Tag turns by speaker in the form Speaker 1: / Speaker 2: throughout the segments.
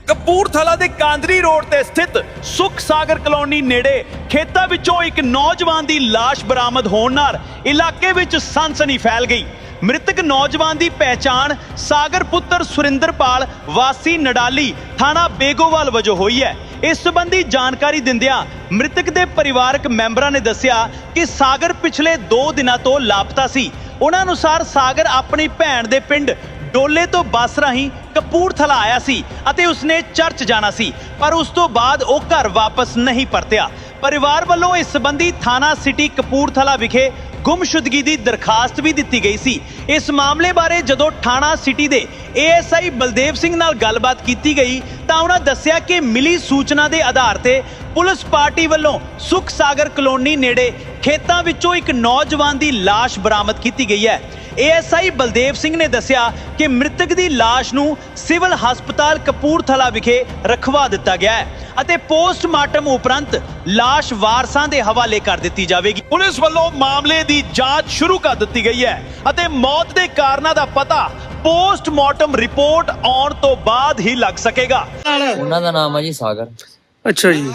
Speaker 1: ਕਪੂਰਥਲਾ ਦੇ ਕਾਂਦਰੀ ਰੋਡ ਤੇ ਸਥਿਤ ਸੁਖ ਸਾਗਰ ਕਲੋਨੀ ਨੇੜੇ ਖੇਤਾਂ ਵਿੱਚੋਂ ਇੱਕ ਨੌਜਵਾਨ ਦੀ ਲਾਸ਼ ਬਰਾਮਦ ਹੋਣ ਨਾਲ ਇਲਾਕੇ ਵਿੱਚ ਸਨਸਨੀ ਫੈਲ ਗਈ। ਮ੍ਰਿਤਕ ਨੌਜਵਾਨ ਦੀ ਪਹਿਚਾਣ ਸਾਗਰ ਪੁੱਤਰ ਸੁਰਿੰਦਰਪਾਲ ਵਾਸੀ ਨਡਾਲੀ ਥਾਣਾ ਬੇਗੋਵਾਲ ਵਜੋਂ ਹੋਈ ਹੈ। ਇਸ ਸੰਬੰਧੀ ਜਾਣਕਾਰੀ ਦਿੰਦਿਆਂ ਮ੍ਰਿਤਕ ਦੇ ਪਰਿਵਾਰਕ ਮੈਂਬਰਾਂ ਨੇ ਦੱਸਿਆ ਕਿ ਸਾਗਰ ਪਿਛਲੇ 2 ਦਿਨਾਂ ਤੋਂ ਲਾਪਤਾ ਸੀ। ਉਹਨਾਂ ਅਨੁਸਾਰ ਸਾਗਰ ਆਪਣੀ ਭੈਣ ਦੇ ਪਿੰਡ ਡੋਲੇ ਤੋਂ ਬੱਸ ਰਾਹੀਂ ਕਪੂਰਥਲਾ ਆਇਆ ਸੀ ਅਤੇ ਉਸਨੇ ਚਰਚ ਜਾਣਾ ਸੀ, ਪਰ ਉਸ ਤੋਂ ਬਾਅਦ ਉਹ ਘਰ ਵਾਪਸ ਨਹੀਂ ਪਰਤਿਆ। ਪਰਿਵਾਰ ਵੱਲੋਂ ਇਸ ਸੰਬੰਧੀ ਥਾਣਾ ਸਿਟੀ ਕਪੂਰਥਲਾ ਵਿਖੇ ਗੁੰਮਸ਼ੁਦਗੀ ਦੀ ਦਰਖਾਸਤ ਵੀ ਦਿੱਤੀ ਗਈ ਸੀ। ਇਸ ਮਾਮਲੇ ਬਾਰੇ ਜਦੋਂ ਥਾਣਾ ਸਿਟੀ ਦੇ ASI ਬਲਦੇਵ ਸਿੰਘ ਨਾਲ ਗੱਲਬਾਤ ਕੀਤੀ ਗਈ ਤਾਂ ਉਹਨਾਂ ਦੱਸਿਆ ਕਿ ਮਿਲੀ ਸੂਚਨਾ ਦੇ ਆਧਾਰ ਤੇ ਪੁਲਿਸ ਪਾਰਟੀ ਵੱਲੋਂ ਸੁਖ ਸਾਗਰ ਕਲੋਨੀ ਨੇੜੇ ਖੇਤਾਂ ਵਿੱਚੋਂ ਇੱਕ ਨੌਜਵਾਨ ਦੀ ਲਾਸ਼ ਬਰਾਮਦ ਕੀਤੀ ਗਈ ਹੈ। ASI ਬਲਦੇਵ ਸਿੰਘ ਨੇ ਦੱਸਿਆ ਕਿ ਮ੍ਰਿਤਕ ਦੀ ਲਾਸ਼ ਨੂੰ ਸਿਵਲ ਹਸਪਤਾਲ ਕਪੂਰਥਲਾ ਵਿਖੇ ਰਖਵਾ ਦਿੱਤਾ ਗਿਆ ਹੈ ਅਤੇ ਪੋਸਟਮਾਰਟਮ ਉਪਰੰਤ ਲਾਸ਼ ਵਾਰਸਾਂ ਦੇ ਹਵਾਲੇ ਕਰ ਦਿੱਤੀ ਜਾਵੇਗੀ। ਪੁਲਿਸ ਵੱਲੋਂ ਮਾਮਲੇ ਦੀ ਜਾਂਚ ਸ਼ੁਰੂ ਕਰ ਦਿੱਤੀ ਗਈ ਹੈ ਅਤੇ ਮੌਤ ਦੇ ਕਾਰਨਾਂ ਦਾ ਪਤਾ ਪੋਸਟਮਾਰਟਮ ਰਿਪੋਰਟ ਆਉਣ ਤੋਂ ਬਾਅਦ ਹੀ ਲੱਗ ਸਕੇਗਾ।
Speaker 2: ਉਹਨਾਂ ਦਾ ਨਾਮ ਹੈ ਜੀ ਸਾਗਰ।
Speaker 3: ਅੱਛਾ ਜੀ,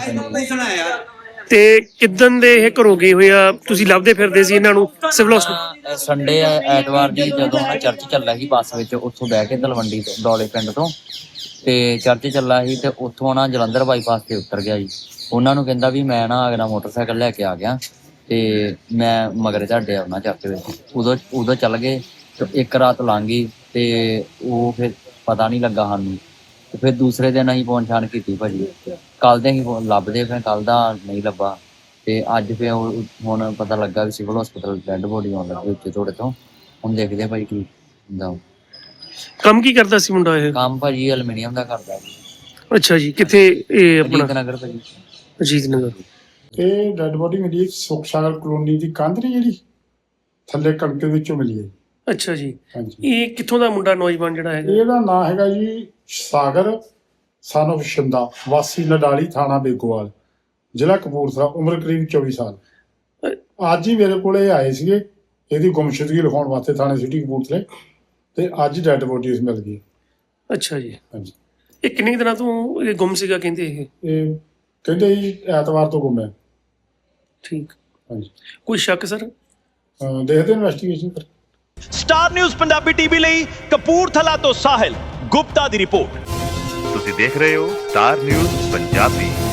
Speaker 3: ਤੇ ਕਿਦਨ ਦੇ ਇਹ ਘਰੋਂ ਗਏ ਹੋਏ ਆ? ਤੁਸੀਂ ਲੱਭਦੇ ਫਿਰਦੇ ਸੀ ਇਹਨਾਂ ਨੂੰ ਸਿਵਲ ਹਸਪਤਾਲ?
Speaker 2: ਸੰਡੇ ਐਤਵਾਰ ਦੀ ਜਦੋਂ ਮੈਂ ਚਰਚ ਚੱਲਾ ਸੀ ਬੱਸ ਵਿੱਚ, ਉੱਥੋਂ ਬਹਿ ਕੇ ਤਲਵੰਡੀ ਤੋਂ ਡੋਲੇ ਪਿੰਡ ਤੋਂ ਤੇ ਚਰਚ ਚੱਲਾ ਸੀ ਤੇ ਉੱਥੋਂ ਨਾ ਜਲੰਧਰ ਬਾਈਪਾਸ ਤੇ ਉਤਰ ਗਿਆ ਜੀ। ਉਹਨਾਂ ਨੂੰ ਕਹਿੰਦਾ ਵੀ ਮੈਂ ਨਾ ਅਗਲਾ ਮੋਟਰਸਾਈਕਲ ਲੈ ਕੇ ਆ ਗਿਆ ਤੇ ਮੈਂ ਮਗਰ ਝਾੜੇ ਆਉਣਾ ਚਰਚ ਵਿੱਚ। ਉਦੋਂ ਚੱਲ ਗਏ ਤੇ ਇੱਕ ਰਾਤ ਲੰਘ ਗਈ ਤੇ ਉਹ ਫਿਰ ਪਤਾ ਨਹੀਂ ਲੱਗਾ ਸਾਨੂੰ। ਤੇ ਫਿਰ ਦੂਸਰੇ ਦਿਨ ਅਸੀਂ ਪਹੁੰਚਾਣ ਕੀਤੀ ਭਾਜੀ। ਕੱਲ ਦੇ ਅਸੀਂ ਲੱਭਦੇ, ਫਿਰ ਕੱਲ ਦਾ ਨਹੀਂ ਲੱਭਾ ਤੇ ਅੱਜ ਫਿਰ ਹੁਣ ਪਤਾ ਲੱਗਾ ਵੀ ਸਿਵਲ ਹਸਪਤਾਲ ਡੈਡ ਬੋਡੀ ਆਉਣ ਲੱਗੀ ਉੱਤੇ ਥੋੜੇ ਤੋਂ। ਹੁਣ ਦੇਖਦੇ ਭਾਈ ਕੀ ਹੁੰਦਾ।
Speaker 3: ਕੰਮ ਕੀ ਕਰਦਾ ਸੀ ਮੁੰਡਾ ਇਹ?
Speaker 2: ਕੰਮ ਭਾਜੀ ਐਲੂਮੀਨੀਅਮ ਦਾ ਕਰਦਾ ਜੀ।
Speaker 3: ਅੱਛਾ ਜੀ, ਕਿੱਥੇ ਇਹ ਆਪਣਾ?
Speaker 2: ਅਜੀਤ ਨਗਰ ਭਾਜੀ।
Speaker 3: ਅਜੀਤ ਨਗਰ।
Speaker 4: ਇਹ ਡੈਡ ਬੋਡੀ ਮਿਲੀ ਸੁਖ ਸਾਗਰ ਕਲੋਨੀ ਦੀ ਕੰਧ ਨੀ ਜਿਹੜੀ ਥੱਲੇ ਕਣਕ ਵਿੱਚੋਂ ਮਿਲੀ ਹੈ।
Speaker 3: ਅੱਛਾ ਜੀ,
Speaker 4: ਹਾਂਜੀ,
Speaker 3: ਇਹ ਕਿੱਥੋਂ ਦਾ ਮੁੰਡਾ ਨੌਜਵਾਨ ਜਿਹੜਾ ਹੈਗਾ?
Speaker 4: ਇਹਦਾ ਨਾਂ ਹੈਗਾ ਜੀ ਸਾਗਰ ਸਨ ਆਫ ਸ਼ਿੰਦਾ, ਵਾਸੀ ਨਡਾਲੀ ਥਾਣਾ ਬੇਗੋਵਾਲ, ਜ਼ਿਲ੍ਹਾ ਕਪੂਰਥਲਾ, ਉਮਰ ਕਰੀਬ 24 ਸਾਲ। ਅੱਜ ਹੀ ਮੇਰੇ ਕੋਲ ਇਹ ਆਏ ਸੀਗੇ ਇਹਦੀ ਗੁੰਮਸ਼ੁਦਗੀ ਲਿਖਾਉਣ ਵਾਸਤੇ ਥਾਣੇ ਸਿਟੀ ਕਪੂਰਥਲੇ, ਤੇ ਅੱਜ ਡੈਡ ਬੋਡੀ ਮਿਲ ਗਈ।
Speaker 3: ਅੱਛਾ ਜੀ,
Speaker 4: ਹਾਂਜੀ।
Speaker 3: ਇਹ ਕਿੰਨੇ ਦਿਨਾਂ ਤੋਂ ਇਹ ਗੁੰਮ ਸੀਗਾ ਕਹਿੰਦੇ?
Speaker 4: ਇਹ ਕਹਿੰਦੇ ਜੀ ਐਤਵਾਰ ਤੋਂ ਗੁੰਮ ਹੈ।
Speaker 3: ਠੀਕ।
Speaker 4: ਹਾਂਜੀ,
Speaker 3: ਕੋਈ ਸ਼ੱਕ ਸਰ?
Speaker 4: ਦੇਖਦੇ ਇਨਵੈਸਟੀਗੇਸ਼ਨ ਕਰ।
Speaker 1: ਸਟਾਰ ਨਿਊਜ਼ ਪੰਜਾਬੀ ਟੀਵੀ ਲਈ ਕਪੂਰਥਲਾ ਤੋਂ ਸਾਹਿਲ ਗੁਪਤਾ ਦੀ ਰਿਪੋਰਟ।
Speaker 5: ਤੁਸੀਂ ਦੇਖ ਰਹੇ ਹੋ ਸਟਾਰ ਨਿਊਜ਼ ਪੰਜਾਬੀ।